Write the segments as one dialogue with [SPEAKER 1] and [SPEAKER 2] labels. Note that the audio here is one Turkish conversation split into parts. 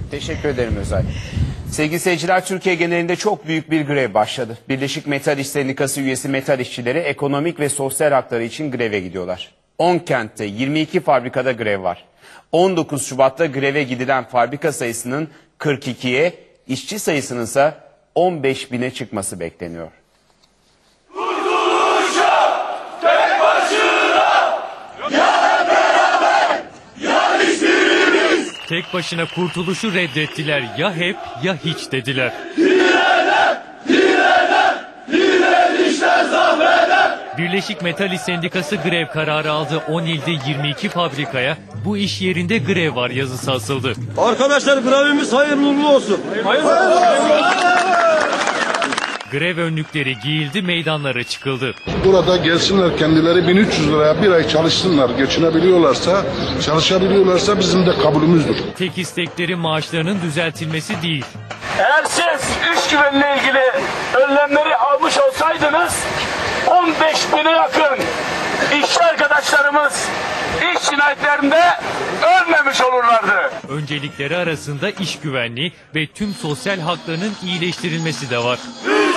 [SPEAKER 1] Teşekkür ederim Özay. Sevgili seyirciler, Türkiye genelinde çok büyük bir grev başladı. Birleşik Metal İş Sendikası üyesi metal işçileri ekonomik ve sosyal hakları için greve gidiyorlar. 10 kentte 22 fabrikada grev var. 19 Şubat'ta greve gidilen fabrika sayısının 42'ye, işçi sayısının ise 15 bine çıkması bekleniyor.
[SPEAKER 2] Tek başına kurtuluşu reddettiler. Ya hep ya hiç dediler.
[SPEAKER 3] Direnişler zaferler.
[SPEAKER 2] Birleşik Metal İş Sendikası grev kararı aldı. 10 ilde 22 fabrikaya bu iş yerinde grev var yazısı asıldı.
[SPEAKER 4] Arkadaşlar grevimiz hayırlı uğurlu olsun.
[SPEAKER 2] Grev önlükleri giyildi, meydanlara çıkıldı.
[SPEAKER 5] Burada gelsinler, kendileri 1300 liraya bir ay çalışsınlar. Geçinebiliyorlarsa, çalışabiliyorlarsa bizim de kabulümüzdür.
[SPEAKER 2] Tek istekleri maaşlarının düzeltilmesi değil.
[SPEAKER 6] Eğer siz iş güvenliğine ilgili önlemleri almış olsaydınız 15 bine yakın işçi arkadaşlarımız iş cinayetlerinde ölmemiş olurlardı.
[SPEAKER 2] Öncelikleri arasında iş güvenliği ve tüm sosyal haklarının iyileştirilmesi de var.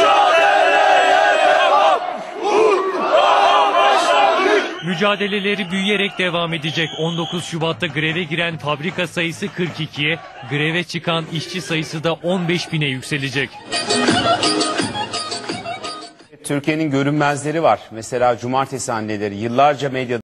[SPEAKER 2] Mücadeleleri büyüyerek devam edecek. 19 Şubat'ta greve giren fabrika sayısı 42'ye, greve çıkan işçi sayısı da 15 bine yükselecek.
[SPEAKER 1] Türkiye'nin görünmezleri var. Mesela cumartesi anneleri yıllarca medyada